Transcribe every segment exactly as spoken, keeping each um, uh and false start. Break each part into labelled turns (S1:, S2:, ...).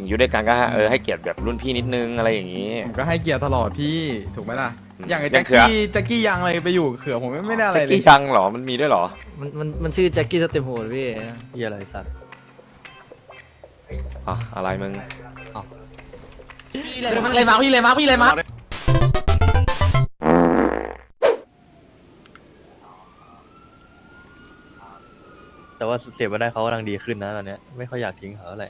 S1: ถึงอยู่ด้วยกันก็เออให้เกียรติแบบรุ่นพี่นิดนึงอะไรอย่างนี้
S2: ผมก็ให้เกียรติตลอดพี่ถูกไหมล่ะ
S1: อืม
S2: อย่างไอ้
S1: ยั
S2: แจ็
S1: ง
S2: ค
S1: เขือ
S2: กี้แจ็คกี้ยังอะไรไปอยู่เขือผมไม่ไม่ได้อะไร
S1: แจ็ค
S2: เลย
S1: กี้ยังเหรอมันมีด้วยเหรอ
S3: มันมันมันชื่อแจ็คกี้สเต็มโหดพี่เหี้ยอะไรสัตว์
S1: อ่ะอะไรมึง
S3: เลยมาพี่เลยมาพี่เลยมา แต่ว่าเสียมาได้เขากำลังดีขึ้นนะตอนเนี้ยไม่ค่อยอยากทิ้งเขาอะไร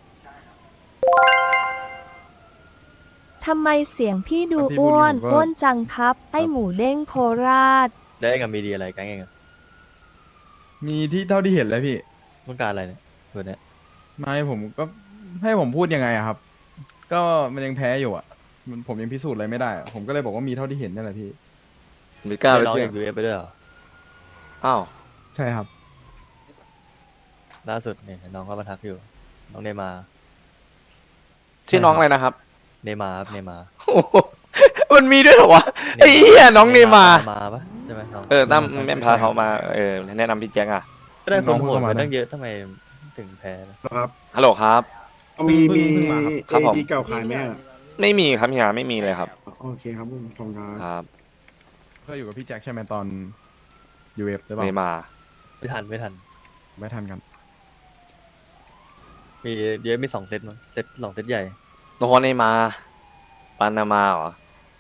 S4: ทำไมเสียงพี่ดูอ้วนอ้วนจังครับ ไอหมูเด้งโคราช
S3: ได้กับมีดีอะไรกันเองอะ
S2: มีที่เท่าที่เห็นเลยพี่
S3: ต้องการอะไรเนี่ยตัวเนี้ย
S2: ไม่ผมก็ให้ผมพูดยังไงอะครับ ก็มันยังแพ้อยู่อะมันผมยังพิสูจน์อะไรไม่ได้อะผมก็เลยบอกว่ามีเท่าที่เห็นนั่นแหละพี่
S1: ไม่กล้าไป
S3: น้อง
S1: เที่
S3: อย ยากยูเอฟไปด้วยเหรอ
S1: อ้าว
S2: ใช่ครับ
S3: ล่าสุดเนี่ยน้องก็มาทักอยู่น้องเนมา
S1: ชื่อน้องอะไรนะครับ
S3: เนมาครับเนมา
S1: โอ้โหมันมีด้วยเหรอวะไอ้เหี้ยน้องเนมา
S3: มาปะใช่ไหมน้อง
S1: เออตั้มแม่พาเขามาเออแนะนำพี่แจ็คอะ
S3: ก็ได้คนโหด
S2: น้องเพิ่งเข้ามา
S3: มาตั้งเยอะทำไมถึงแพ้นะ
S5: ครับ
S1: ฮัลโหลครับ
S5: มี
S2: เพิ่ง
S5: มี
S2: เพิ่งมาครับ
S1: ครับผม
S5: เอดีเก่าขายไหมอะ
S1: ไม่มีครับเฮียไม่มีเลยครับ
S5: โอเคครับผมทองค
S1: ครับ
S2: เคยอยู่กับพี่แจ็คใช่ไหมตอน ยู เอฟ หรือเป
S1: เน
S2: ล่า
S1: มา
S3: ไม่ทันไม่ทัน
S2: ไม่ทันกัน
S3: มีเยอะมีสองเซตมั้งเซตสองเซตใหญ่
S1: โนเนมาปานามาเหรอ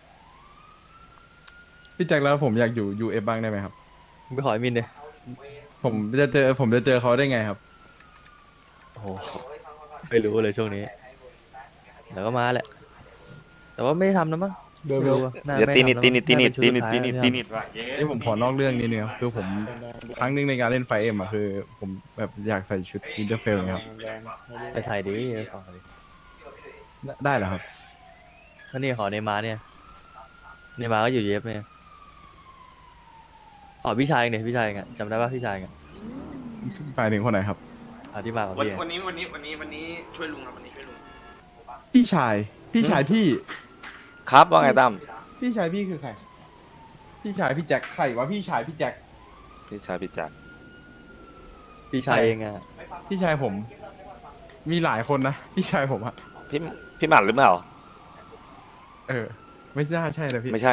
S2: พี่แจ็คแล้วผมอยากอยู่ ยู เอฟ บ้างได้ไหมครับ
S3: มึงไปขอไอ้มินเลย
S2: ผมจะเจอผมจะเจอเขาได้ไงครับ
S3: โอ้โหไม่รู้เลยช่วงนี้แล้วก็มาแหละ แต่ว่าไม่ได้ทำนะมั้ง
S5: เดิน
S3: ไม่
S5: เร็ว
S3: รู้อะน่า
S1: เดี๋ยว
S3: ไม่
S1: ตีนิด
S3: ทำ
S1: ตีนิดตีนิด
S3: า
S1: ตี
S3: เป็
S1: นิด
S3: ชุ
S1: ตีนิด
S3: สุ
S1: ตี
S3: ท้าย
S1: นิดว่ะเย้
S2: นี่ผมขอนอกเรื่องนิดนึงครับคือผมครั้งหนึงในการเล่นไฟเอ็มอะคือ ผมแบบอยากใส่ชุดวินเทอร์เฟลครับ
S3: ไปถ่ายดิไปขอดิ
S2: ได้ได้เหรอครับ
S3: ก็นี่ขอเนย์มาร์เนี่ยเนย์มาร์ก็อยู่เยฟเนี่ยอ๋อพี่ชายเองเนี่ยพี่ชายเองอะจำได้ป่ะพี่ชายเองอะ
S2: ไปถึงคนไหนครับ
S3: อ่ะที่มากับ
S6: วัน
S3: พี่อะ
S6: วันนี้วันนี้วันนี้วันนี้ช่วยลุงครับวันนี้ช่วยลุง
S2: พี่ชาย พี่ชายพี่
S1: ครับว่าไงตั้ม
S2: พี่ชายพี่คือใคร พี่ชายพี่แจ็คใครวะพี่ชายพี่แจ็ค
S1: พี่ชายพี่แจ็ค
S3: พี่ชายเองอะ
S2: พี่ชายผม มีหลายคนนะ พี่ชายผมอะ
S1: พี่พี่หมัดหรือเปล่า
S2: เออ ไม่น่าใช่เลยพี่
S1: ไม่ใช่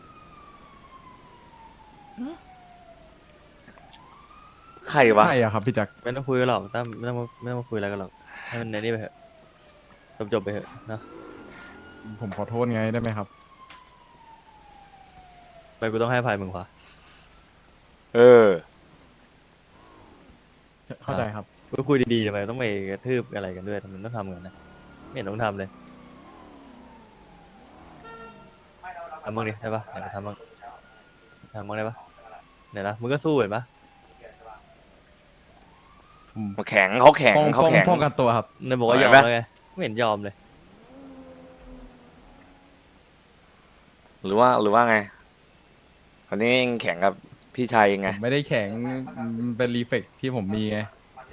S1: ใครวะ
S2: ใช่อะครับพี่แจ็ค
S3: ไม่ต้องคุยกันหรอกตั้มไม่ต้องมาไม่ต้องมาคุยอะไรกันหรอกให้มันในนี่ไปเถอะจบจบๆไปเถอะเนอะ
S2: ผมขอโทษไงได้ไหมครับ
S3: ไปกูต้องให้อภัยมึงวะ
S1: เออ
S2: เข้าใจครับ
S3: ก็คุยดีๆทำไมต้องไปกระทืบอะไรกันด้วยทำไมต้องทำกันนะไม่เห็นต้องทำเลยทำมึงดิใช่ปะไหนมาทำมึงทำมึงได้ปะไหนนะมึงก็สู้เห็นปะ
S2: ผม
S1: แข็งเขาแข็ง
S2: ป้อง
S1: เขา
S2: ป้อง
S1: แข็ง
S2: ป้องกันตัวครับ
S3: เนี่ยบอกว่ายอม
S1: ไหวปะ
S3: แล้วไงไม่เห็นยอมเลย
S1: หรือว่าหรือว่าไงคนนี้ยังแข็งกับพี่ชายยัง
S2: ผ
S1: ไง
S2: มไม่ได้แข็งมันเป็นรีเฟกที่ผมมีไง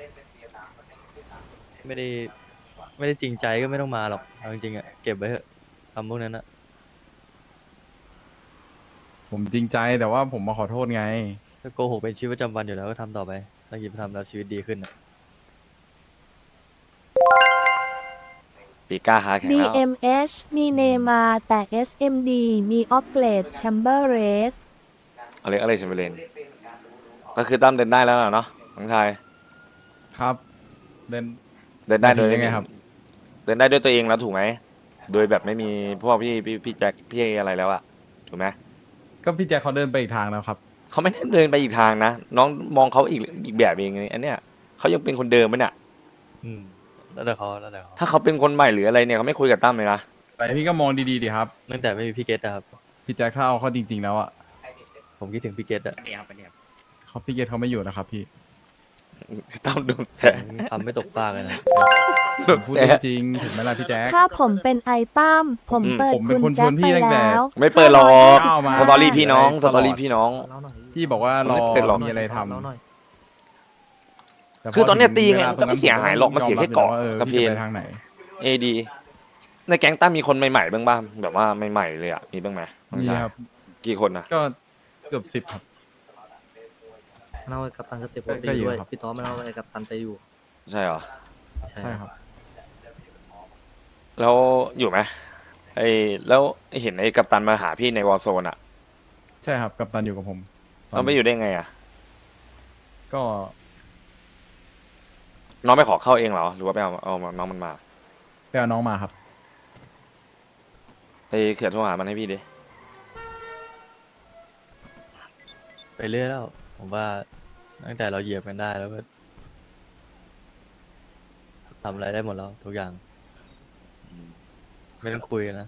S3: ไม่ได้ไม่ได้จริงใจก็ไม่ต้องมาหรอกเอาจริงๆอะเก็บไว้เถอะคำพวกนั้นอะ
S2: ผมจริงใจแต่ว่าผมมาขอโทษไง
S3: ถ้าโกหกเป็นชีวิตประจำวันอยู่แล้วก็ทำต่อไปถ้าคิดทำแล้วชีวิตดีขึ้นอะ
S1: ปีก้าขาแข็ง
S4: ดี
S1: แล้ว
S4: เอ็ม เอช มีเนมาแต่ เอส เอ็ม ดี มีออฟเกรดแชมเบอร์เรส
S1: อะไรอะไรเชมเบอร์เลนก็คือตั้มเดินได้แล้วเนาะน้องชาย
S2: ครับเดิน
S1: เดินได้โดย
S2: ยังไงครับ
S1: เดินได้ด้วยตัวเองแล้วถูกไหมโดยแบบไม่มีพวกพี่พี่พี่แจ็คพี่อะไรแล้วอะถูกไหม
S2: ก็พี่แจ็คเขาเดินไปอีกทางแล้วครับ
S1: เขาไม่ได้เดินไปอีกทางนะน้องมองเขาอีกอีกแบบเองอันเนี้ยเขายังเป็นคนเดิมไหมเนี่ย
S3: อืมแล้วแต่เขาแล้วแต่เขา
S1: ถ้าเขาเป็นคนใหม่หรืออะไรเนี่ยเขาไม่คุยกับตั้มเลยนะ
S2: แต่พี่ก็มองดีๆดิครับ
S3: ตั้งแต่ไม่มีพี่เกตนะครับ
S2: พี่แจ็คถ้าเอาเขาจริงๆแล้วอ่ะ
S3: ผมคิดถึงพี่เกตอะ
S2: เขาพี่เกตเขาไม่อยู่นะครับพี่
S1: ตั้มโดนแส
S3: ทำไม่ตกฟากเลยนะ
S1: โด
S2: ผม
S1: น
S2: พูด
S1: แส
S2: จริงๆถูกไหมล่ะพี่แจ็ค
S4: ถ้าผมเป็นไอตั้มผม
S1: อืม
S4: เปิด
S2: ผมเป็
S4: คุ
S2: น
S4: ณ
S2: คน
S4: แจ็ค
S2: ชวนพี่
S4: ไป
S2: ตั้งแต่
S4: แล้ว
S1: ไม่เปิดหรอก
S2: ก้าวมา
S1: สตอรี่พี่น้องส
S2: ตลอด
S1: ตอรี่พี่น้อง
S2: พี่บอกว่ารอ
S1: ไม่เป็นหรอก
S2: มีอะไรทำแต่พ
S1: คือตอนเนี้ยตีไง
S2: วลา
S1: มันก็ไม่เสียหายหรอกมันเสียแค่เกาะ
S2: ออก
S1: ระเพ
S2: พี่
S1: น
S2: จะไปทางไหน
S1: เอดีในแก๊งตั้มมีคนใหม่ๆบ้างบ้างแบบว่าใหม่ๆเลยอ่ะมีบ้างไหมน้อง
S2: มี
S1: ชาย
S2: ครับ
S1: กี่คนนะ
S2: ก็เกือบสิบครับ
S7: มันเอาไอ้กัปตันสเต็ป
S2: ก็
S7: ไป
S2: ก็
S7: อ
S2: อยู่
S7: ยู่ด้วย
S2: ครับ พี่
S7: พี่ต้อมันเอาไอ้กัปตันไปอยู่
S1: ใช่เหรอ
S7: ใช่
S2: ใช่
S7: ครับ
S2: ครับ
S1: แล้วอยู่ไหมไอ้แล้วเห็นไอ้กัปตันมาหาพี่ในวอลโซนอ่ะ
S2: ใช่ครับกัปตันอยู่กับผม
S1: เราไม่อยู่ได้ไงอ่ะ
S2: ก็
S1: น้องไม่ขอเข้าเองเหรอหรือว่าไปเอาเอาน้องมันมา
S2: ไปเอาน้องมาครับ
S1: ไอ้เขียนโทรหามันให้พี่ดิ
S3: ไปเรื่อยแล้ว ผมว่าตั้งแต่เราเหยียบกันได้แล้วก็ทำอะไรได้หมดแล้วทุกอย่าง ไม่ต้องคุยกันนะ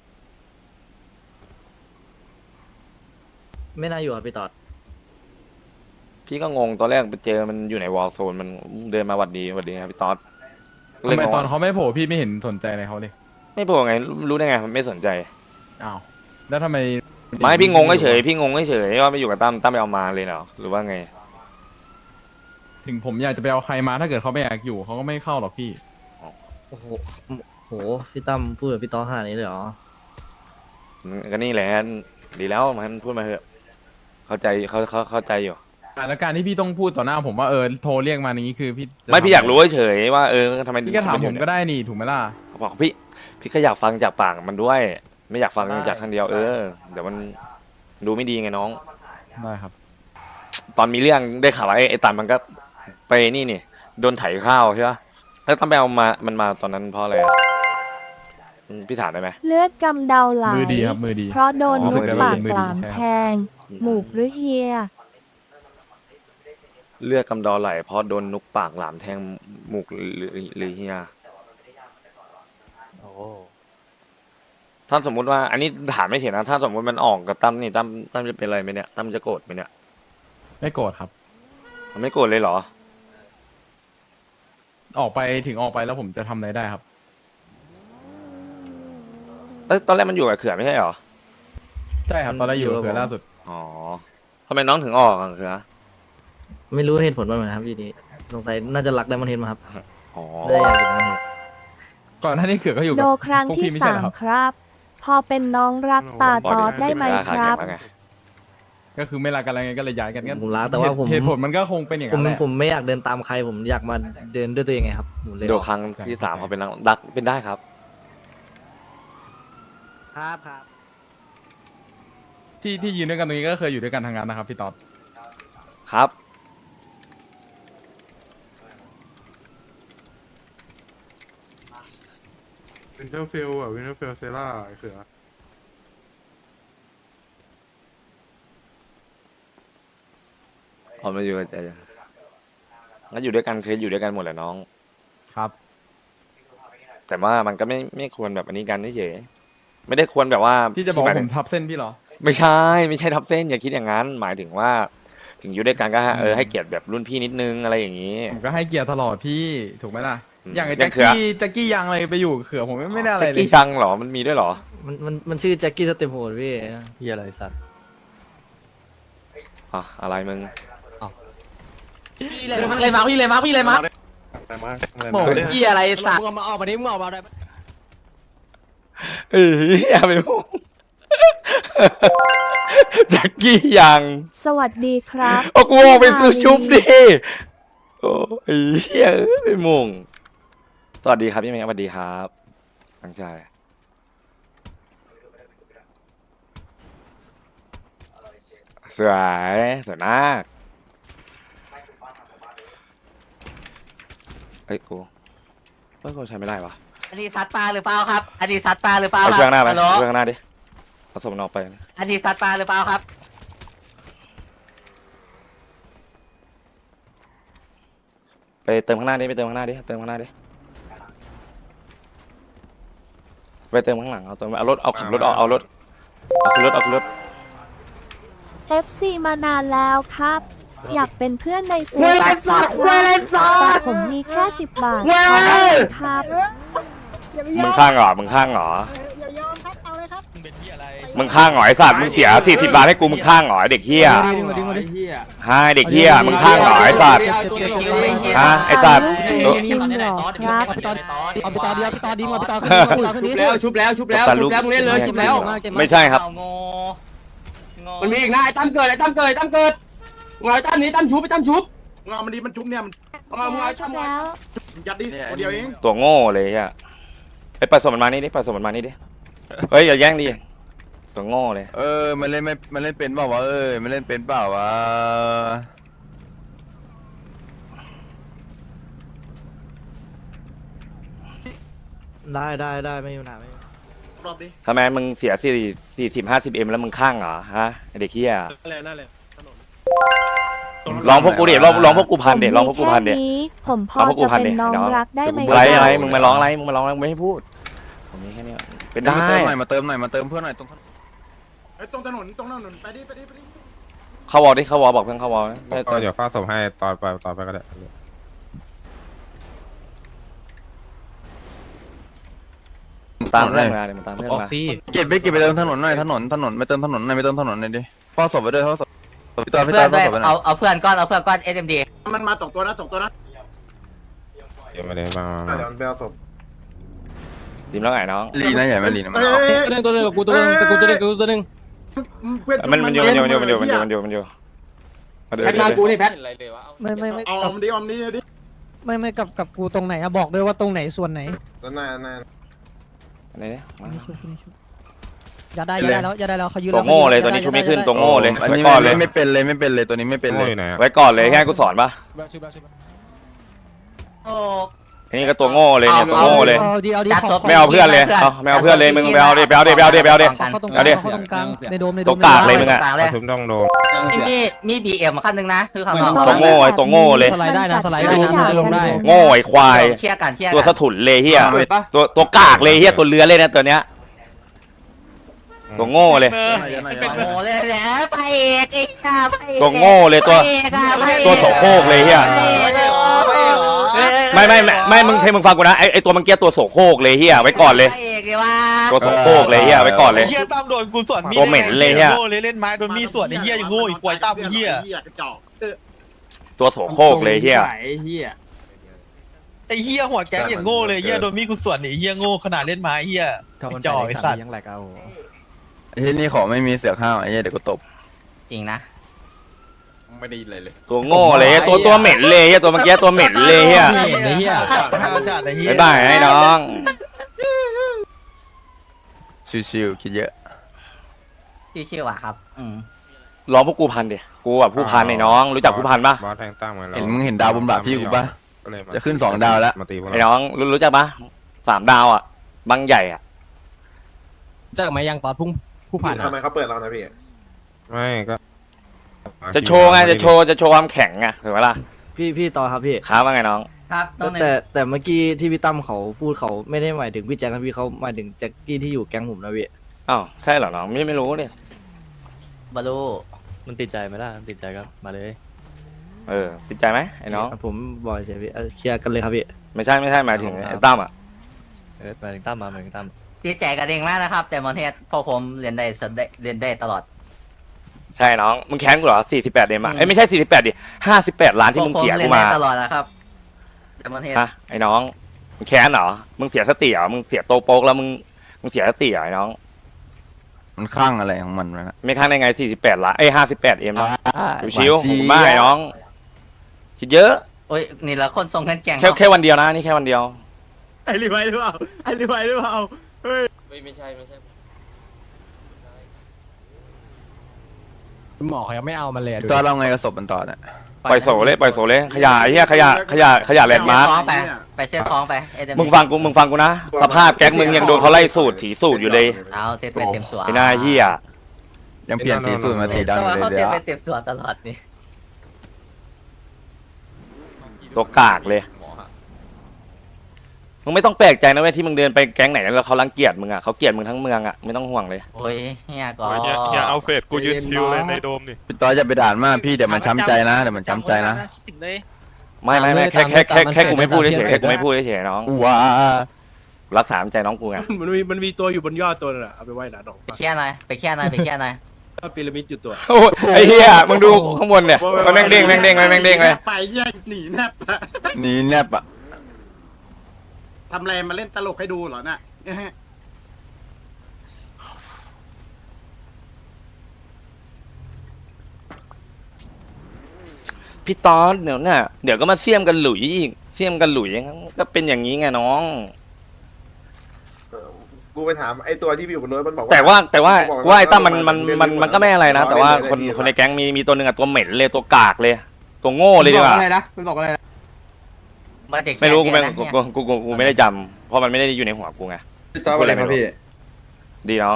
S7: ไม่น่าอยู่ครับพี่ตอด
S1: พี่ก็งงตอนแรกไปเจอมันอยู่ในวอลโซนมันเดินมาหวัดดีหวัดดีครับพี่ต๊อด
S2: ทำไม
S1: งง
S2: ตอนเขาไม่โผล่พี่ไม่เห็นสนใจอะไรเขาเลย
S1: ไม่โผล่ไงรู้ได้ไงมันไม่สนใจ
S2: อ้าวแล้วทำไม
S1: ไม่พี่งงเฉยๆพี่งงเฉยๆว่าไม่อยู่กับตั้มตั้มไปเอามาเลยเหรอหรือว่าไง
S2: ถึงผมอยากจะไปเอาใครมาถ้าเกิดเขาไม่อยากอยู่เขาก็ไม่เข้าหรอกพี่
S7: โอ้โหโหพี่ตั้มพูดกับพี่ตอดขนาดนี้เลยเหรอ
S1: ก็นี่แหละดีแล้วมันพูดมาเถอะเข้าใจเขาเขาเข้าใจอยู่
S2: อ่ะแล้วการที่พี่ต้องพูดต่อหน้าผมว่าเออโทรเรียกมาอย่างนี้คือพี่จะ
S1: ไม่พี่
S2: ทำ
S1: อยากรู้เฉยๆว่าเออทำไม
S2: พี่ก็ถามผมก็ได้นี่ถูกไหมล่ะ
S1: บอกพี่พี่ก็อยากฟังจากปากมันด้วย ไม่อยากฟังจากข้างเดียวเออเดี๋ยวมันดูไม่ดีไงน้อง
S2: ได้ครับ
S1: ตอนมีเรื่องได้ข่าวว่าไอ้ไอ้ตันมันก็ไปนี่นี่โดนไถข้าวใช่ปะแล้วต้องไปเอามามันมาตอนนั้นเพราะอะไรอะอืมพี่ถามได้ไหม
S4: เลือดกำเดาไหล
S2: มือดีครับมือดี
S4: เพราะโดน
S1: อ๋อ
S4: มุก
S1: มือดี
S4: ปาก
S2: มือดี
S4: กลาม
S2: ใช่ครับ
S4: แทง หมูกหรือเฮีย
S1: เลือดกำเดอไหลเพราะโดนนุกปากหลามแทงหมูกหรือหรือหรือเฮีย
S3: โอ้
S1: ถ้าสมมุติว่า อันนี้ถามไม่เถียงนะถ้าสมมติมันออกกับตั้มนี่ตั้มตั้มจะเป็นอะไรไหมเนี่ยตั้มจะโกรธไหมเนี่ย
S2: ไม่โกรธครับ
S1: มันไม่โกรธเลยเหรอ
S2: ออกไปถึงออกไปแล้วผมจะทำอะไรได้ครับ
S1: แล้วตอนแรกมันอยู่กับเขื่อนไม่ใช่เหรอ
S2: ใช่ครับตอนแรกอยู่กับเขือล่าสุด
S1: อ๋อทำไมน้องถึงออกอะเขื่อ
S7: ไม่รู้เหตุผลว่าเหมือนครับพี่นี้สงสัยน่าจะรักไดมอนเฮดมาครับ
S1: อ๋อ
S7: ได้อยากอยู่ไดมอนเฮด
S2: ก่อนหน้านี้เขือก็อยู่
S4: โด
S2: กับ
S4: ครั้ง
S2: พวก
S4: ที่
S2: พี่ไม่ใช่
S4: สา
S2: เหรอ
S4: ม
S2: ครับ
S4: ครับ พอเป็นน้องรักตาตอดได้ไหมครับ
S2: ก็คือไม่รักกันอะไรไงก็เลยย้ายกันกัน
S7: ผมรักแต่ว่าผม
S2: เหตุผลมันก็คงเป็นอย่าง
S7: ผ
S2: นั้
S7: ม
S2: นแหละ
S7: ผมไม่อยากเดินตามใครผมอยากมาเดินด้วยตัวเองไงครับผมเลย
S1: โดครั้งที่สามเขาเป็นนักดักเป็นได้ครับ
S7: ครับครับ
S2: ที่ที่ยืนด้วยกันตรงนี้ก็เคยอยู่ด้วยกันทางนั้นนะครับพี่ต๊อด
S1: ครับ
S8: วินเทอร์เฟลอ่ะวินเทอร์เฟลเซล่าไอ้เขือ
S1: พอมาอยู่กับใจแล้วอยู่ด้วยกันเคยอยู่ด้วยกันหมดแหละน้อง
S2: ครับ
S1: แต่ว่ามันก็ไม่ไม่ควรแบบอันนี้กันเฉยๆไม่ได้ควรแบบว่า
S2: พี่จะบอกว่า
S1: ห
S2: ผม
S1: ยถึง
S2: ทับเส้นพี่เหรอ
S1: ไม่ใช่ไม่ใช่ทับเส้นอย่าคิดอย่างนั้น หมายถึงว่า ถึงอยู่ด้วยกันก็เออให้เกียรติแบบรุ่นพี่นิดนึงอะไรอย่างนี้
S2: ผมก็ให้เกียรติตลอดพี่ถูกไหมล่ะ
S1: อืม
S2: อย่างไอ้
S1: อย่า
S2: แจ็
S1: ง
S2: ค
S1: เขือ
S2: กี้แจ็คกี้ยังอะไรไปอยู่เขือผมไม่ไม่ได้อะไร
S1: แจ็ค
S2: เลย
S1: กี้ยังเหรอมันมีด้วยเหรอ
S7: มันมันมันชื่อแจ็คกี้สเต็ปโหดพี่
S3: พี่อะไรสัตว์
S1: อ่ะอะไรมึง
S9: พี่เลยมาเลยมาพี่เลยมาพี่เลยมา
S8: อะไรมากอะไร
S9: โห
S8: มาก
S9: พี่อะไรสัตว์
S7: มึงมาออกมาดิมึงออกมาได้
S1: เอ้ยอย่าไปพูด แจ็คกี้ยัง
S4: สวัสดีครับ
S1: โอ้กูออกไปซื้อชุบดิโอ้ยเฮ้ยไปมงสวัสดีครับพี่เมย์สวัสดีครับตั้งใจสวยสวยมากเอ้ยกูเฮ้ยกูใช้ไม่ได้วะ
S9: อันนี้ซัดปลาหรือเปล่าครับ อันนี้ซัดปลาหรือเปล่า
S1: เอา
S9: ค
S1: เครื่
S9: รั
S1: องหน้าไป
S9: ฮัลโหล
S1: เครื่องข้างหน้าดิผสมมันออกไป
S9: อันนี้ซัดปลาหรือเปล่าครับ
S1: ไปเติมข้างหน้าดิไปเติมข้างหน้าดิเติมข้างหน้าดิไปเติมข้างหลังเอาเติมเอารถเอาขับรถเอาเอารถเอาขึ้นรถเอาขึ้นรถ
S4: เอฟ ซี มานานแล้วครับ อยากเป็นเพื่อนในเฟซ
S9: เว้ยไอ้สัตว์เว้ยไอ้สัตว์
S4: แต่ผมมีแค่สิบบาท
S9: เว้ย
S4: ขอได้ไหมครับ
S1: มึงข้างเหรอมึงข้างเหรอมึงข้างเหรอไอ้สัตว์มึงเสียสี่สิบบาทให้กูมึงข้างเหรอไอ้เด็กเฮียฮะเด็กเฮียมึงข้างเหรอไอ้สัตว์ฮะไอ้สัตว์
S4: จริงเหรอครับ
S7: เอาไปต่อดีเอาไปต่อดีมาไปต่อ
S9: ชุบแล้วชุบแล้วชุบแล้วชุบแล้วมึงเล่นเลยชุบแล้ว
S1: ไม่ใช่ครับ
S9: มันมีอีกนะไอ้ตั้มเกิดไอ้ตั้มเกิดไอ้ตั้มเกิดมึงเอาไอ้ตั้มนี้ตั้มชุบไอ้ตั้มชุบ
S5: มึงเอามันดีมันจุ๊บเนี่ยมัน
S9: มึงเอามึงเอาไอ้ตั้ม
S4: แล้ว
S5: ยัดดิคนเดียวเอง
S1: ตัวโง่เลยอ่ะไปไปปล่อยศพมันมานี่ดิปล่อยศพมันมานี่ดิเฮ้ยอย่าแย่งดิตัวโง่เลย
S10: เออมันเล่นไม่มันเล่นเป็นเปล่าวะเอ้ยมันเล่นเป็นเปล่าวะ
S7: ได้ได้ได้ไม่มีปัญหาไม่มี
S6: รอบดิ
S1: ทำไมมึงเสียสี่สี่สิบห้าสิบเอ็มแล้วมึงข้างเหรอฮะไอ้เด็กเฮีย
S6: นั่นเลยนั่นเลย
S1: ลองพวกกูดิลองลองพวกกูพันเด็ลองพวกกูพันเด็
S4: ผมมีแค่นี้ผมพอ
S1: ลองพวกกู
S4: จะ
S1: พัน
S4: เป็
S1: ดิ
S4: นน้อง
S1: น้อง
S4: รักได้ไหม
S1: อะไร
S4: คบ
S1: อะไรมึงมาร้องอะไรมึงมาร้องอะไรมึงไม่ให้พูดผมมีแค่นี้เป็นได้
S10: มาเติมหน่อยมาเติมหน่อยมาเติมเพื่อนหน่อยตรง
S8: ไอ้ยตรงถนนตรงถนนไปดิไปดิไปดิ
S1: เข้าวอลดิเข้าวอลบอกเพื่อนเข้าวอล
S8: ก็เดี๋ยวฟาดศพให้ตอนไปตอนไปก็ได้
S1: ตามเรื่องมาเลยมันตามเรื่อง
S3: ออก
S1: มา
S3: ซี่
S10: เก็บไปเก็บไปเติมถนนหน่อยถนนถนนไปเติมถนนหน่อยไปเติมถนนหน่อยดิเฝ้าศพไปด้วยเฝ้าศพพี่ตอนพี่ตอนเฝ้าศพไปหน่อย
S9: เอาเอาเพื่อนก้อนเอาเพื่อนก้อนเอสเอ็มดี
S6: มันมาสองตัวนะสองตัวนะ
S8: เดี๋ยวมาเลยมาเดี๋ยวมันไปเอาศพ
S1: ดิมแล้วไงน้อง
S10: ลีนะใหญ่ไหมลีนะมัน
S6: เอ้
S10: เอา
S6: ย
S3: ตัวนึงตัวนึงกับกูตัวนึงกับกูตัวนึงกับกูตัวนึง
S6: เพื่อน
S1: มันมันอยู่มันอยู่มันอยู่มันอยู่มันอยู่มันอยู่มันอยู่
S9: แพทมากูนี่แพท
S11: ไม่ไม่ไม่
S6: เอา
S11: กับ
S6: อมดิอมดิดิ
S11: ไม่ไม่กับกับกูตรงไหนอะบอกด้วยว่าตรงไหนส่วนไหน
S8: แล้วนายนาย
S1: อะไรเนี่ยมา
S11: ไม่ชุบไม่ชุบอย่าได้อย่าได้แล้วอย่าได้แล้วเขายืน
S1: ตัวโง่เลยตัวนี้ชุบไม่ขึ้นตัวโง่เลย
S10: อัน
S1: ไว้
S10: นี้
S1: ก่อนเลย
S10: ไม่เป็นเลยไม่เป็นเลยตัวนี้ไม่เป็นเลย
S1: ไว้ก่อนเลยแค่กูสอนปะ
S9: โอ้
S1: อันนี้ก็ตัวโง่เลยเนี่ยตัวโง่เลย
S11: เอาดีเอาดี
S9: จัด
S11: ข
S9: ศ
S11: อ
S9: พ
S1: ไม่เอาเพื่อนเลยเอาไม่เอาเพื่อนเลยมึงไปเอาดิไปเอาดิไปเอาดิไปเอาดิ
S11: ขอเข้าตรงก
S1: เอา
S11: ลาง
S1: ดิ
S11: เข้าตรงกลางในโดมในโด
S1: ตัว
S11: ม
S1: กากเลยมึงอะ
S9: ต่างเลย
S8: ทุบต้องโดน
S9: มีมีบีเอ็มขั้นหนึ่งนะคือข้างนอก
S1: ตัวโง่ไอ้ตัวโง่เลย
S11: สไลด์ได้นะสไลด์ได้นะสไลด์ลงได้
S1: โง่ไอ้ควาย
S9: เคลียร์กันเคลียร์
S1: ตัว
S9: กั
S1: สะถุนเลยเฮีย
S9: เปิดปะ
S1: ตัวตัวกากเลยเฮียตัวเรือเลยนะตัวเนี้ยตัวโง่เลย
S9: โอ้เลยแหละไปเอกไอ้ข้าไปเอก
S1: ตัวโง่เลยตัว
S9: ไปเอกอะไปเอก
S1: ตัวโสโครกเลยเฮีย
S9: ไปเอกเลยเหรอ
S1: ไม่ไม่ไม่ไม่มึงเทมึงฟังกูนะไอไอตัวเมื่อกี้ตัวโสโครกเลยเฮียไว้ก่อนเลย
S9: ไปเอกเลยว่า
S1: ตัวโสโครกเลยเฮียไว้ก่อนเลย
S12: เฮียตามโดนกูสวนมีด
S1: ตัวเหม็นเลยเหี้ย
S12: โง่เลยเล่นไม้โดนมีดสวนไอ้เฮียยังโง่อีกกวยตามเฮีย
S6: กระจอก
S1: ตัวโสโครกเลยเฮีย
S12: ไอ้เฮียหัวแก๊งอย่างโง่เลยเฮียโดนมีดกูสวนไอ้เฮียโง่ขนาดเล่นไม้เฮียจ่อไอ้สัตว์
S10: ไอ้ที่นี่ขอไม่มีเสือกห้าวไอ้เหี้ยเดี๋ยวกูตบ
S9: จริงนะ
S10: ไม่ได้เลยเลย
S1: ตัวโง่เลยเหี้ยตัวตัวเหม็นเลยเฮียตัวเมื่อกี้ตัวเหม็นเลยเฮีย
S3: ไอ้เหี้ย
S12: ห้าวจัดไอ้เฮีย
S1: บ๊ายบายไอ้น้อง
S10: ชิวๆคิดเยอะ
S9: ชื่อชื่อว่ะครับอืม
S1: ร้องพวกกูพันดิกูแบบผู้พันไอ้น้องรู้จักผู้พันปะ
S8: บอสแทงตั้งมาแล้ว
S10: เห็นมึงเห็นดาวบนบ่าพี่กูปะ
S8: ก็เลยมา
S10: จะขึ้นสองดาวแล้ว
S8: มาตีพวก
S1: ไอ้
S8: เรา
S1: น้องรู้รู้จักปะสามดาวอ่ะบางใหญ่อ่ะ
S3: จากไหมยังตอนพุ่งผู้ผ่าน
S8: ทำไมเขาเปิดเรานะพี่ไม่ก็
S1: จะโชว์ไงจะโชว์จะโชว์ความแข็งไงถูกไหมล่ะ
S7: พี่พี่ต่อครับพี่
S1: ค้าว่าไงน้อง
S9: ครับน้องหนึ่ง
S7: แต่แต่เมื่อกี้ที่พี่ตั้มเขาพูดเขาไม่ได้หมายถึงพี่แจ็คนะพี่เขาหมายถึงแจ็คกี้ที่อยู่แก๊งผมนะพี่
S1: อ้าวใช่เหรอน้องไม่ไม่รู้เนี่ย
S9: บอลลู
S3: มันติดใจไหมล่ะมันติดใจก็มาเลย
S1: เออติดใจไหมไอ้น้อง
S7: ผมบอกเฉยพี่เอ่อเคลียร์กันเลยครับพี่
S1: ไม่ใช่ไม่ใช่หมายถึงไอ้ตั้มอ่ะ
S3: เออมาถึงตั้มมามาถึงตั้ม
S9: พี่แจกกันเองมากนะครับ แต่มอนเทสพอผมเรียนได้สได้เรียนได้ตลอด
S1: ใช่น้องมึงแค้นกูเหรอสี่สิบแปดเดมอ่ะเอ้ยไม่ใช่สี่สิบแปดดิห้าสิบแปดล้านที่มึง
S9: พว
S1: เสีย
S9: เรี
S1: กู
S9: น
S1: มา
S9: ได้ตลอดนะครับแต่มอนเทส
S1: ฮะไอ้น้องมึงแค้นเหรอมึงเสียสติเหรอมึงเสียโตโป๊กแล้วมึงมึงเสียสติเหรอไอ้น้อง
S10: มันคลั่งอะไรของมันวะนะ
S1: ไม่ค้างได้ไงสี่สิบแปดล้านเอ้ยห้าสิบแปดเอ็มนะชิว
S10: หานเจี๊ยบ
S1: ๆไม่น้องคิดเยอะ
S9: โอ้ยนี่ละคนทรงกันแกง
S1: แค่แค่วันเดียวนะนี่แค่วันเดียว
S6: ไอ้รีไวหรือเปล่าไอ้รีไวหรือเปล่าเฮ้ย
S3: หมอเขายังไม่เอามันเลย
S10: พี่ตอนเราไงกับศพมันต่อเนี่ย
S1: ปล่อยโสเลยปล่อยโสเลยขยะไอ้เหี้ยขยะขยะขยะแลนด์มาร์ค
S9: ท้องไปไปเซ็ตท้องไปเอเด
S1: มึงฟังกูมึงฟังกูนะสภาพแก๊งมึงยังโดนเขาไล่สูตรถีสูตรอยู่เลย
S9: เอาเซ็ตไปเต็มตัว
S1: ไอ้หน้าเหี้ย
S10: ยังเปลี่ยนสีสูตรมาสีดำ
S9: แต่
S10: อยู่
S9: ว่า
S10: เลย
S9: เขา
S10: เดี๋
S9: เซ็ต
S10: ยว
S9: ไปเต็มตัวตลอดนี่
S1: ตัวกากเลยมึงไม่ต้องแปลกใจนะเว้ยที่มึงเดินไปแก๊งไหนแล้วเขารังเกียจมึงอ่ะเขาเกลียดมึงทั้งเมืองอ่ะไม่ต้องห่วงเลย
S9: โอ้ยเฮียก็
S8: อย่าเอาเฟดกูยืนชิวเลยในโดมนี่
S10: พี่ตอนจะไปด่านมากพี่เดี๋ยวมันช้ำใจนะเดี๋ยวมันช้ำใจนะ
S12: คิดถึงเลย
S1: ไม่ไม่ไม่แค่แค่แค่แค่กูไม่พูดเฉยๆแค่กูไม่พูดเฉยๆน้อง
S10: ว้า
S1: รักษาน้ำใจน้องกูไง
S6: มันมีมันมีตัวอยู่บนยอดตัวนึงอะเอาไปไว้หนาดอก
S9: ไปเคลียร์หน่อยไปเคลียร์หน่อยไปเคลียร์หน่อย
S6: พีระมิดอยู่ตัว
S1: โอ้ยไอ้เหี้ยมึงดูข้างบนเนี่ยมันแม่งเด้งแม่งเด้งแม่งเด้งเลย
S6: ไปแยกหนีแนบ
S10: หนีแนบอ่ะ
S6: ทำอะไรมาเล่นตลกให้ดูเหรอน่ะ
S1: พี่ตอนเดี๋ยวน่ะเดี๋ยวก็มาเสี่ยมกันหลุยอีกเสี่ยมกันหลุยก็เป็นอย่างนี้ไงน้อง
S8: กูไปถามไอ้ตัวที่อยู่บนรถมันบอก
S1: แต่ว่าแต่ว่า
S8: บอก
S1: กูว่าไอ้ตั้มมันมัน
S8: เล่
S1: มันมันก็ไม่อะไรนะ แต่ว่าคน
S8: เล่
S1: คนในแก๊งมีมีตัวหนึ่งอะตัวเหม็นเลยตัวกากเลย ตัวโง่เลยดีกว่า
S9: อะไรนะมันบอกอะไรนะ
S1: ไม่รู้กูไม่กูกูกูกูกูไม่ได้จำเพราะมันไม่ได้อยู่ในหัวกูไง
S10: พี่ต้ออะไรครับพี่
S1: ดีน้อง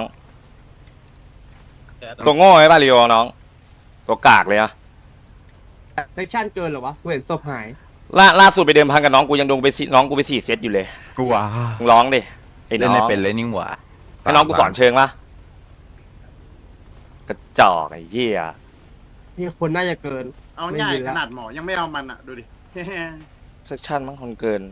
S1: ตัวโง่ไอ้ป่ะลีโอน้อง ตัวกากเลยอะ
S9: เซกชั่นเกินเหรอวะกูเห็นศพหาย
S1: ล่าล่าสุดไปเดิมพันกับน้องกูยังโดนไปสี่น้องกูไปสี่เซตอยู่เลย
S10: กูว้า
S1: มึงร้องดิไอ้น้
S10: เล่น
S1: อง
S10: ไม่เป็นเลยนิ่งหว่า
S1: ไอ้น้องกูสอนเชิงปะกระจอกไอ้เหี้ย
S9: นี่คนน่าจะเกิน
S6: เอาง่ายขนาดหมอยังไม่เอามันอ่ะดูดิ
S1: เซกชันมั้งคนเกิน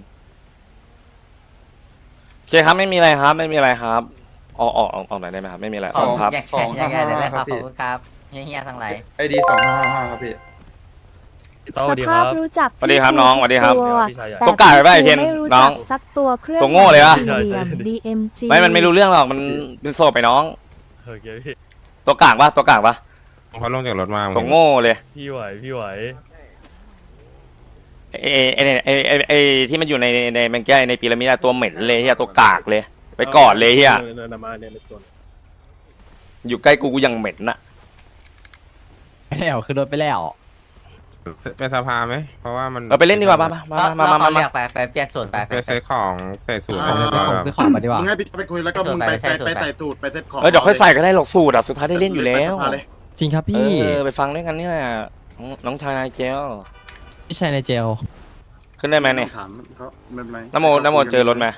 S1: โอเคครับไม่มีอะไรครับ ไม่มีอะไรครับออกออกออกออกไหนอยได้ไหมครับไม่มีอะไรออกครับ
S10: สองห้าห้าครับพี่
S12: เฮียทั้งหลาย
S10: ไอดีสองห้าห้าครับพี่
S4: สภาพรู้จัก
S1: สวัสดีครับน้องสวัสดีครับ
S4: ตัว
S1: ตัว กากไปป่ะไอ้เทน
S4: ไม่รู้
S1: น้
S4: จั
S1: อง
S4: กสักตัวเครื่อง
S1: ตัวโง่เลยวะ
S4: เหลี่ยม ดี เอ็ม จี
S1: ไม่มันไม่รู้เรื่องหรอกมันเป็นโซไปน้อง
S3: โอเคพี่
S1: ตัวกากปะตัวกากปะ
S8: เขาลงจากรถมา
S1: ตัวโง่เลย
S3: พี่ไหวพี่ไหว
S1: ไอ้ไอ้ไอ้ไอ้ไอ้ไอ้ที่มันอยู่ในในแมงแก้ในพีระมิดอะตัวเหม็นเลยเฮียตัวกากเลย ไปกอดเลยเฮียอยู่ใกล้กูกูยังเหม็นน่ะ
S2: ไม่ได้เอาขึ้นรถไปแล้ว
S8: เป็นสภาไหมเพราะว่ามัน
S1: เราไปเล่นดีกว่ามามามามามามา
S12: ไปไปเปลี่ยนส่วนไป
S8: ไปเซ็ตของใส่สูตร
S6: เอา
S8: ของ
S2: ซื้อของมาดีกว่า
S6: มึงให้พี่ไปคุยแล้วก็มึงไปไปไปใส่ตูดไปเซ็ตของ
S1: เออเดี๋ยวค่อยใส่ก็ได้หรอกสูตรอะสุดท้ายได้เล่นอยู่แล้ว
S6: ไปสภาเย
S2: จริงครับ
S1: เอ
S2: พี่
S1: อไปฟังด้วยกันเนี่ยน้องน้องชายนายเจล
S2: พี่ชายในเจล
S1: ขึ้นได้ไหมเนี่ย
S6: ถามเขาไม่เป็นไร
S1: น้ำโมน้ำโมเจอรถไหม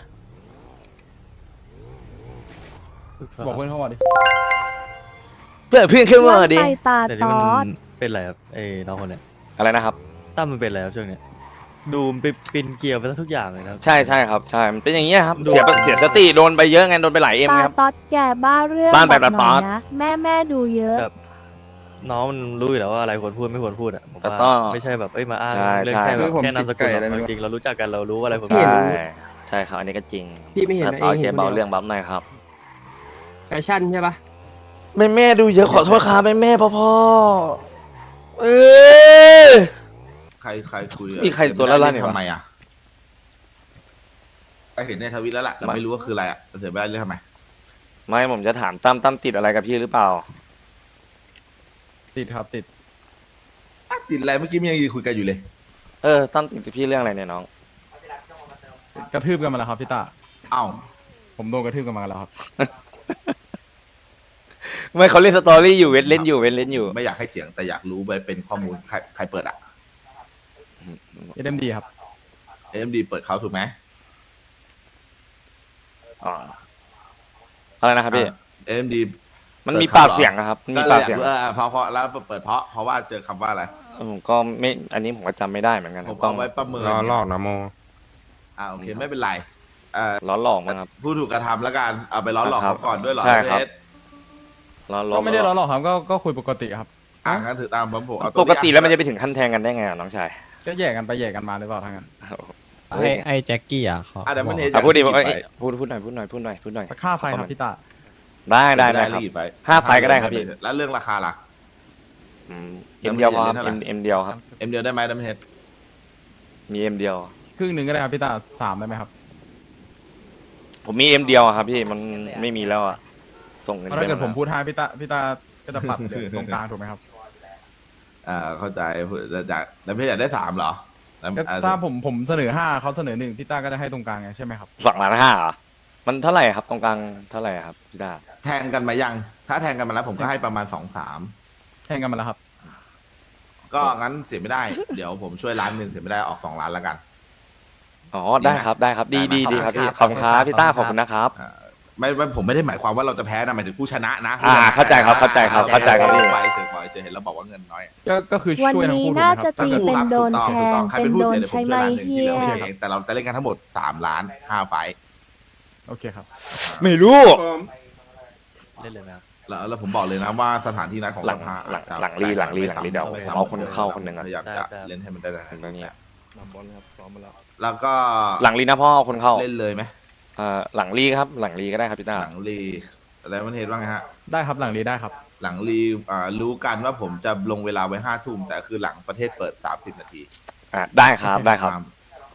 S2: บอกเพื่อนเขาว่าดิ
S1: เพื่อนเพื่อนขึ้นมาดิ
S4: ไปตา
S3: แต่
S4: ต
S3: นี่
S4: อ
S3: มั
S4: ด
S3: นเป็นอะไรครับไอ้น้องคนเนี้ย
S1: อะไรนะครับ
S3: ตั้มมันเป็นอะไรครับช่วงเนี้ยดูมันไปปินเกลียวไปซะทุกอย่างเลยนะครับ
S1: ใช่ใช่ครับใช่มันเป็นอย่างเงี้ยครับเสียเสียสติโดนไปเยอะไงโดนไปหลายเอ็ม
S4: ตา
S1: ครับ
S4: ตอดแก่บ้าเรื่อง
S1: บ้านแบบ
S4: บอกหน่อย
S1: ตาตอด
S4: นะแม่แม่ดูเยอะ
S3: แบบน้องมันรู้อยู่แล้วว่าอะไรควรพูดไม่ควรพูดอ่ะผม
S1: แต่
S3: ว่า
S1: ต้อง
S3: ไม่ใช่แบบเอ้ยมาอ้าง
S1: ใช่
S3: เรื่อง
S1: ใช่
S3: แค่แบบ
S10: ผม
S3: แค่นามสกุล
S10: ติดไก่
S3: หรอก
S10: อะไรไม่รู้
S3: จริงๆเรารู้จักกันเรารู้ว่าอะไรควร
S1: ใช่
S3: พูด
S1: ใช่ครับอันนี้ก็จริง
S9: พี่ไม่เห็น
S1: ถ้า
S9: นะ
S1: ต่อ
S9: เอง
S1: เจ
S9: เห็น
S1: เบา
S9: คนเดียว
S1: เรื่องบัฟหน่อยครับ
S9: แฟชั่นใช่ปะ
S1: แม่แม่ดูเยอะขอโทษครับแม่แม่พ่อพ่อเออ
S10: ใครใครคุย
S1: นี่ใครตัวละล่ะเนี่ยวะ
S10: ทำไมอ่ะไปเห็นในทวิตแล้วแหละแต่ไม่รู้ว่าคืออะไรอ่ะเสียไม่ได้เรื่องทำไม
S1: ไม่ผมจะถามตั้มตั้มติดอะไรกับพี่หรือเปล่า
S2: ติดครับติด
S10: ติดอะไรเมื่อกี้มันยังยืนคุยกันอยู่เลย
S1: เออตั้มติดกับพี่เรื่องอะไรเนี่ยน้อง
S2: กระทืบกันมาแล้วครับพี่ตา
S10: เอ้า
S2: ผมโดนกระทืบกันมาแล้วครับ
S1: ไม่เขาเล่นสตอรี่อยู่เว้นเล่นอยู่เว้นเล่นอยู่
S10: ไม่อยากให้เถียงแต่อยากรู้ไปเป็นข้อมูลใครใครเปิดอ่ะ
S2: เอ็มดีครับ
S10: เอ็มดีเปิดเขาถูกไหม
S1: อ๋ออะไรนะครับพี่
S10: เอ็มดี
S1: มันมีปากเสียงนะครับมันมีปากเสียง
S10: เออเพราะเพราะแล้วเปิดเพราะเพราะว่าเจอคำว่าอะไร
S1: ผมก็ไม่อันนี้ผมก็จำไม่ได้เหมือนกันค
S10: ผ
S1: รับ
S10: ม
S1: ต้
S10: เอา
S1: อง
S10: ไว้ประเมิน
S8: รอลอกนะโม
S10: อ่าโอเคไม่เป็นไรเอ่อ
S1: ล้อหลอกมั้งครับ
S10: ผู้ถูกกระทำแล้วกันเอาไปล้อหลอก
S1: ครับ
S10: เขาก่อนด้วยเหรอ
S1: ใช่ครับ
S10: เอส
S1: ล้อล้อ
S2: ก็ไม่ได้ล้อหรอกครับก็ก็คุยปกติครับ
S10: อ่างั้นถือตามผมผมเอา
S1: ปกติแล้วมันจะไปถึงขั้นแทงกันได้ไงอะน้องชาย
S2: ก็แยกกันไปแยกกันมาหรือเปล่าทั้งนั้น
S1: เฮ้ย
S2: ไอ้แจ็คกี้อ่ะเขา
S10: อ่ะเดี๋ยวมันเห็น
S1: อ่ะพูดดิ
S10: จาก
S1: เอ้ย
S10: ไฟ
S1: พูดพูดหน่อยพูดหน่อยพูดหน่อยพูดหน่อย
S2: ค่าไฟครับพี่ตา
S1: ได้ได้ได้ครับ
S10: รีบไป
S1: ห้าไฟก็ได้ครับพี่
S10: แล้วเรื่องราคาล่ะ
S1: อืมเอ็มเดียวพอครับ
S10: เท่าไหร่
S1: เอ็มเอ็มเดียวครับ
S10: เอ็มเดียวได้ไหมดัมเฮด
S1: มีเอ็มเดียว
S2: ครึ่งหนึ่งก็ได้ครับพี่ตาสามได้ไหมครับ
S1: ผมมีเอ็มเดียวอะครับพี่มันไม่มีแล้วอะส่งเงิน
S2: เพราะถ้าเกิด
S1: ไป
S2: ผมพูดห้าพี่ตาพี่ตาก็จะปรับเหลือตรงกลางถูกไหมครับ
S10: อ่าเข้าใจจะจากดัมเฮดอยากได้สามเหรอแล้ว
S2: ก็
S10: อ่า
S2: ถ้าผมผมเสนอห้าเขาเสนอหนึ่งพี่ตาก็จะให้ตรงกลางไงใช่ไหมครับ
S1: สองล้านห้าเหรอมันเท่าไหร่ครับตรงกลางเท่าไหร่ครับพี่ดา
S10: แทงกันมายัง ถ้าแทงกันมาแล้วผมก็ให้ประมาณสองสาม
S2: แข่งกันมาแล้วครับ
S10: ก็งั้นเสียไม่ได้ เดี๋ยวผมช่วยล้านหนึ่งเสียไม่ได้ออกสองล้านแล้วกัน
S1: อ๋อได้ครับได้ครับดีดีดีครับพี่ขอบคุณครับพี่ต้าขอบคุณนะครับ
S10: อ่าไม่ไม่ผมไม่ได้หมายความว่าเราจะแพ้นะหมายถึงผู้ชนะนะ
S1: อ่าเข้าใจครับเข้าใจครับเข้าใจครับพี่
S10: ไปเสียขอให้เจอเห็นแล้วบอกว่าเงินน้อย
S2: ก็ก็คือ
S4: วัน
S2: ช่วยทั้ง
S4: นี้
S2: คู่ถูกไหม
S4: น่า
S2: ค
S4: จะ
S2: รับ
S4: ตีเป็นโดนแท
S10: ถูก
S4: ง
S10: ต้องใคร
S4: เป็
S10: เป็น นผู้
S4: โดน
S10: เสียเดี๋ยวผม
S4: ใช้
S10: ช่วย
S4: ไม้
S10: ล้านหนึ่ง
S4: เฮี
S10: ที่เหลือย ผมเองแต่เราจะเล่นกันทั้งหมดสามล้านห้าไฟท์
S2: โอเคครับ
S1: ไม่รู้
S3: เล่นเลยไหมครับ
S10: แล้วแล้วผมบอกเลยนะว่าสถานที่นัดของ
S1: หลัง
S10: สภา
S1: หลัง
S10: จะ
S1: หลังลีหลังลีหลังลีเดี๋ยว
S10: ไม่
S1: ผม
S10: ซ้ำ
S1: เอาคนเข้าคนหนึ่งอะ
S10: พยายามจะเล่นให้มันได้
S1: ตรงนี้
S10: แล้วก็
S1: หลังลีนะพ่อเอาคนเข้า
S10: เล่นเลยไหม
S1: เอ่อหลังลีครับหลังลีก็ได้ครับพี่ต้า
S10: หลังลีอะไรมันเห็นว่าไงฮะ
S2: ได้ครับหลังนี้ได้ครับ
S10: หลังรีอ่ารู้กันว่าผมจะลงเวลาไว้ห้าทุ่มแต่คือหลังประเทศเปิดสามสิบนาที
S1: อ่าได้ครับได้ครับ
S10: โอ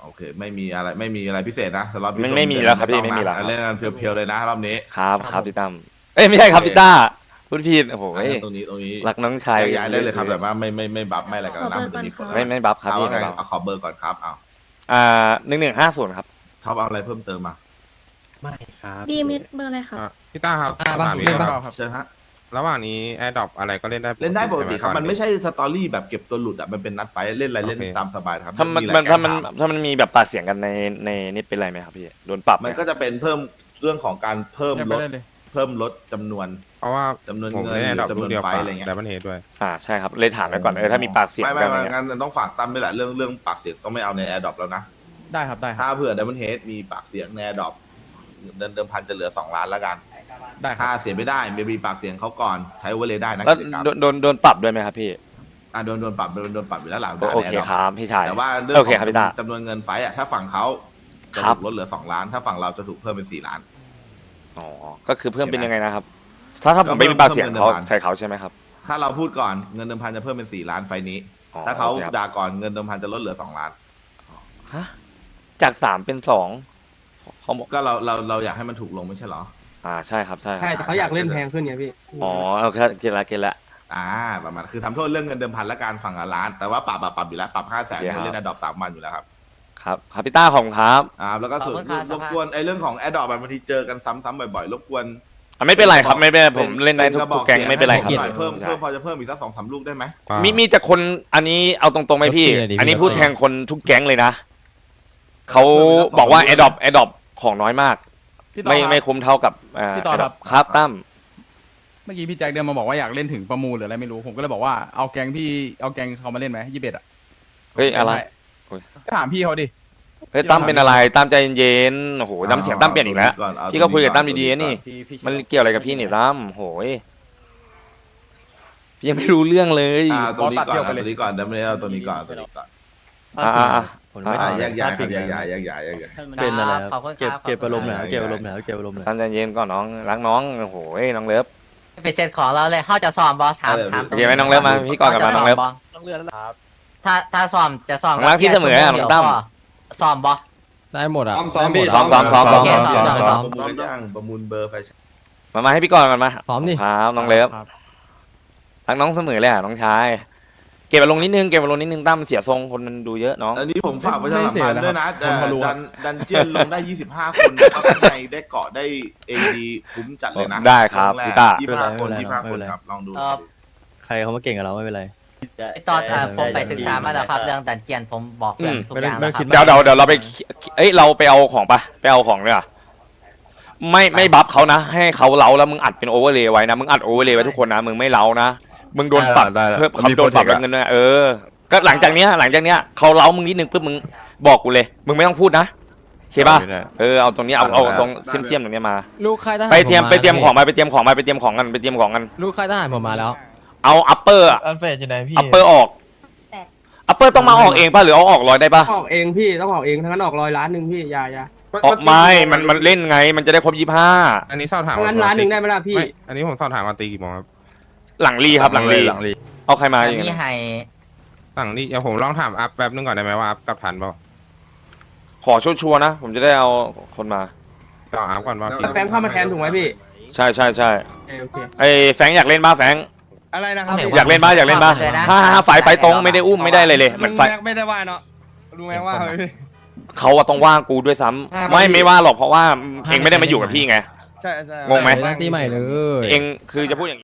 S8: โอเค ไม่มีอะไรไม่มีอะไรพิเศษนะสำหรับ
S1: ไม่ไม่มีแล้วครับพี่ไม่มีแล้วครับ
S8: เล่นกันเพียวๆเลยนะรอบนี้
S1: ครับครับพี่ตั้มเอ้ยไม่ใช่ครับพี่ต้าพูดผิดโอ้โห
S8: อ่ะตรงนี้ตรงนี้
S1: รักน้องชาย
S8: แยกย้ายได้เลยครับแบบว่าไม่ไม่ไม่บัฟไม่อะไรกันแล้วนะมันจะมีผล
S1: ไม่ไม่บัฟครับ
S8: เอา
S1: พี่
S8: ว่าไง
S1: ไม่บัฟ
S8: เอาขอเบอร์ก่อนครับเอา
S1: อ่าหนึ่งหนึ่งห้าศูนย์ครับ
S8: ท็อปเอาอะไรเพิ่มเติมมา
S3: ไม่ครับ
S4: ดีมิดเบอร์อะไรครับ
S8: พี่ต้าครับ
S2: อ่าบ้างเล่นบ้างครับ
S8: เชิญฮะ
S10: ระหว่างนี้แอร์ดรอปอะไรก็เล่นได้
S8: เล่นได้ปกติครับมันไม่ใช่สตอรี่แบบเก็บตัวหลุดอ่ะมันเป็นนัดไฟท์เล่นอะไรเล่นตามสบายครับ
S1: ถ้ามัน
S8: อะไร
S1: มันถ้ามัน
S8: แก้ข่ว
S1: ถ้ามันมีแบบปากเสียงกันในในนี่เป็นไรไหมครับพี่โดนปรับไหม
S8: มันก็จะเป็นเพิ่มเรื่องของการเพิ่ม
S2: ยัง
S8: ล
S2: ไม่
S8: ด
S2: ได้เลย
S8: เพิ่มลดจำนวน
S10: เพราะว่า
S8: จำนวน
S10: ผม
S8: เงิน
S10: เล่นแอร์ดรอป
S8: จำน
S10: ลู
S8: วน
S10: กเดียว
S8: ไฟ
S10: กับ
S8: อะไรเงี้ย
S10: ไดมอนเฮดด้วย
S1: อ่าใช่ครับเลยถามไปก่อนเออถ้ามีปากเสียง
S8: ไม่
S1: กั
S8: ไม่
S1: นอะไร
S8: ไม่
S1: เงี้ย
S8: งั้นต้องฝากตั้มด้วยแหละเรื่องเรื่องปากเสียงต้องไม่เอาในแอร์ดรอปแล้วนะ
S2: ได้ครับได้ครับ
S8: ถ้าเผื่อ Diamond Head มีปากเสียงในแอร์ดรอปเดินเดิมพันจะเหลือสองล้านแล้วกัน
S2: ได้ค
S8: ถ้า
S2: รับ
S8: เสียไม่ได้ไม่มีปากเสียงเขาก่อนใช้โอเวอร์เลยได้นะ
S1: แล้ว
S8: กิจกรรม
S1: โดนโดนโดนปรับด้วยไหมครับพี่
S8: อ่ะโดนโดนปรับโดนโดนปรับอยู่แล้วหลัง
S1: โอเคครับพี่ชาย
S8: แต่ว่าเรื่อง
S1: โอ
S8: ข
S1: เค
S8: อง
S1: ครับพี่ตา
S8: จำนวนเงินไฟท์อ่ะถ้าฝั่งเขาจะ
S1: ครั
S8: ถู
S1: บ
S8: กลดเหลือสองล้าน ถ้าฝั่งเราจะถูกเพิ่มเป็นสี่ล้าน
S1: อ๋อก็คือเพิ่มเป็นยังไงนะครับ ถ้าถ้าผมไม่มีปากเสียงเขาใส่เขาใช่ไหมครับ
S8: ถ้าเราพูดก่อนเงินเดิมพันจะเพิ่มเป็นสี่ล้านไฟล์นี้
S1: อ๋อ
S8: ถ้าเขา
S1: โอเคครับ
S8: ด่าก่อนเงินเดิมพันจะลดเหลือสองล้าน
S1: ฮะจากสามเป็นสองเขาบอก
S8: ก็เราเราเราอยากให้มันถูกลงไม่ใช่เหรอ
S1: อ่าใช่ครับใช่ครับ
S9: ใช่แต่เขาอยากเล่นแพงขึ้นไงพี่
S1: อ๋อโอเคเกณฑ์ละเกณฑ์ละ
S8: อ่าประมาณคือทำโทษเรื่องเงินเดิมพันและการฝั่งละล้าน แต่ว่าปรับอะปรับอยู่แล้วปรับห้าแสน
S1: โอเคครับ
S8: เล่นอะดอปสามวันอยู่แล้วครับ
S1: ครับครับพี่ต้าของครับ
S8: อ่าแล้วก็ส่วน
S9: ขอบคุณครับ
S8: รบกวนไอ้เรื่องของแอดดอปบางทีเจอกันซ้ำๆบ่อยๆรบกวน
S1: อ่ะไม่เป็นไรครับไม่เป็นไรผมเล่นได้ทุก
S8: ระบ
S1: ทุ
S8: อก
S1: แก๊ง
S8: สีย
S1: ไม่เป็นไรครับ
S8: ให้ผหอยเพิ่มเพิ่มพอจะเพิ่มอีกสักสองสามลูกได้ไหม
S1: มีมีแต่คนอันนี้เอาตรงๆไหมพี่ อันนี้พูดแทนคนทุกแก๊งเลยนะเขาบอกว่า Adopt Adopt ของน้อยมาก
S2: พี่ต่อ
S1: ไม่
S2: ครับ
S1: ไม่คุ้มเท่ากับอ่า
S2: พี่ต่อครับ
S1: Adopt ครับตั้ม
S2: เมื่อกี้พี่แจ็คเดินมาบอกว่าอยากเล่นถึงประมูลหรืออะไรไม่รู้ผมก็เลยบอกว่าเอาแกงพี่เอาแกงเขามาเล่นไหมยี่สิบเอ็ดอ่ะ
S1: เฮ้ยอะไร
S2: ก็ถามพี่เขาดิ
S1: เฮ้ยตั้มเป็นอะไรตั้มใจเย็นๆโอ้โหน้ำเสียงตั้มเปลี่ยนอีกแล้ว
S8: า
S1: พี่ก็คุยกับ
S8: ตร
S1: ตั้
S8: ง
S1: ม
S8: ก่อ
S1: ดีๆนะนี่
S3: พี่พี่
S1: มันเกี่ยวอะไรกับพี่นี่ตั้มโหยพี่ยังไม่รู้เรื่องเลย
S8: อ่าตัวนี้ก่อน
S2: ตัดเดี่ยวไป
S8: เอา
S2: เลย
S8: ตัวนี้ก่อนเดี๋ยวไม่ได้เอาตัวนี้ก่อนเอาตัวนี้ก่อน
S1: อ่าอ่าอ่า
S3: ผมไม่
S8: อ่า
S3: ได้
S8: แยกย้ายครับแยกย้ายแยกย้ายแยกย้าย
S3: เป็นอะไรค
S9: ข
S3: รั
S9: อ
S3: บบ
S9: คุณครับ
S3: เก็บเก็บ
S9: ขอบคุณ
S3: อารมณ์หน่อย
S8: ครับ
S3: เก็บอารมณ์หน่อยเก็บอารมณ์หน่อย
S1: ตั้มใจเย็นก่อนน้องรักน้องโอ้โหน้องเลิฟ
S9: ไปเซ็ตของเราเลยเขาจะซ้อมบอสถามถาม
S1: โอเคไหมน้องเลิฟมาพี่ก่อนกลับมาน้องเลิฟ
S9: ต้องเลือนแล้วถ้าถ้าซ้อมจะซ้อม
S1: น้องรักพี่เสมออ่ะน้องตั้ม
S9: ซ้อมบอส
S11: ได้หมดอ่ะ
S5: ซ้อมพี่
S1: ซ้อมซ้อมซ้อมซ้อม
S9: โอเคซ้อมซ้อม
S8: ประมูลย่างประมูลเบอร์ไฟ
S1: มามาให้พี่ก่อนก่อนมา
S11: ซ้อมดิ
S1: ครับน้องเลิฟ
S2: ครับ
S1: รักน้องเสมอเลยอ่ะน้องชายเก็บอารมณ์นิดนึงเก็บอารมณ์นิดนึงตั้มเสียทรงคนมันดูเยอะน้อง
S8: อันนี้ผมฝากประชาสัมพันธ์ด้วยนะ
S2: ไม่เสียนะครับผมพอรู้
S8: ดันดันเจียนลงได้ยี่สิบห้าคนนะครับข้างในได้เกาะได้เอดีคุ้มจัดเลยนะ
S1: ได้ครับ
S8: งแก
S1: พี่ต้า
S8: ยี่สิบห้าคนยี่สิบห้าคนครับลองดู
S9: เอ่อ
S3: ใครเขามาเก่งกับเราไม่เป็นไร
S9: ตอนอ่ะผมไปศึกษามาแล้วครับเรื่องดันเจียนผมบอกเพื่อนทุกอย่างแล้วค
S3: ไม่
S9: รับ
S3: ได้
S1: เดี๋ยวเดี๋ยวเดี๋ยวเราไปเอ้ยเราไปเอาของปะไปเอาของด้วยอ่ะไม่ไม่บัฟเขานะ ให้เขาเล้าแล้วมึงอัดเป็นโอเวอร์เลย์ไว้นะมึงอัดโอเวอร์เลย์ไว้ทุกคนนะมึงไม่เล้านะมึงโดนปรับ
S10: ได้แล้ว
S1: เพิ่ม
S10: มัน
S1: เขา
S10: มี
S1: โดนปรับ
S10: protect อะ
S1: เงินด้วยเออ ก็หลังจากเนี้ยหลังจากเนี้ยเขาเล้ามึงนิดนึงปุ๊บมึงบอกกูเลย มึงไม่ต้องพูดนะโอเคป่ะ
S10: ได้
S1: เออเอาตรงนี้เอาเอา
S10: ได้
S1: ตรงเสี้ยมเสียมๆตรงเนี้ยมา
S11: ลูกค่ายทหาร
S1: ไปเตรียม
S11: ผา
S1: ไปเตรียม
S11: แล้ว
S1: ของมาไปเตรียมของมาไปเตรียมของกันไปเตรียมของกัน
S11: ลูกค่ายทหารผมมาแล้ว
S1: เอาอัปเปอร์
S12: อันเฟสอยู่ไหนพี่
S1: อัปเปอร์ออกอัปเปอร์ต้องมาออกเองป่ะหรือเอาออกร้อยได้ป่ะ
S9: ออกเองพี่ต้องออกเองทั้งนั้นออกร้อยล้านหนึ่งพี่อยาอยา
S1: ออกไม่มันมันเล่นไงมันจะได้ครบยี่ห้า
S10: อันนี้สอบถาม
S9: ทั้งนั้นล้านหนึ่งได้ไหมล่ะพี่
S10: ไม่อันนี้ผมสอบถามว่าตีกี่โมงครับ
S1: หลังรีครับหลังรี
S10: หลังรี
S1: เอาใครมาอย่าง
S9: มี
S1: งี้
S9: ให้
S10: หลังรีเดี๋ยวผมลองถามอัพแป๊บนึงก่อนได้ไหมว่าอัพกลับทันเปล่า
S1: ขอชัวร์ๆนะ ผมจะได้เอาคนมา
S10: ต่ออัพก่อนว่าพี่
S9: แฟงเข้ามาแทนถูกไหมพี่
S1: ใช่ใช่ใช่
S9: โอเค
S1: ไอ้แฟรงค์อยากเล่นบ้าแฟรงค์
S12: อะไรนะครับ
S1: อยากเล่นบ้าอยากเล่นบ้าถ้าถ้าไฟไฟตรงไม่ได้อุ้มไม่ได้เลยเลยเหมือนไฟ
S12: ไม่ได้ว่าเนาะรู้ไหมว่า
S1: เขาอะต้องว่ากูด้วยซ้ำไม่ไม่ว่าหรอกเพราะว่าเองไม่ได้มาอยู่กับพี่ไง
S12: ใช่ใช่
S1: งงไหม
S11: ตั้งตีใหม่เลย
S1: เองคือจะพูดอย่าง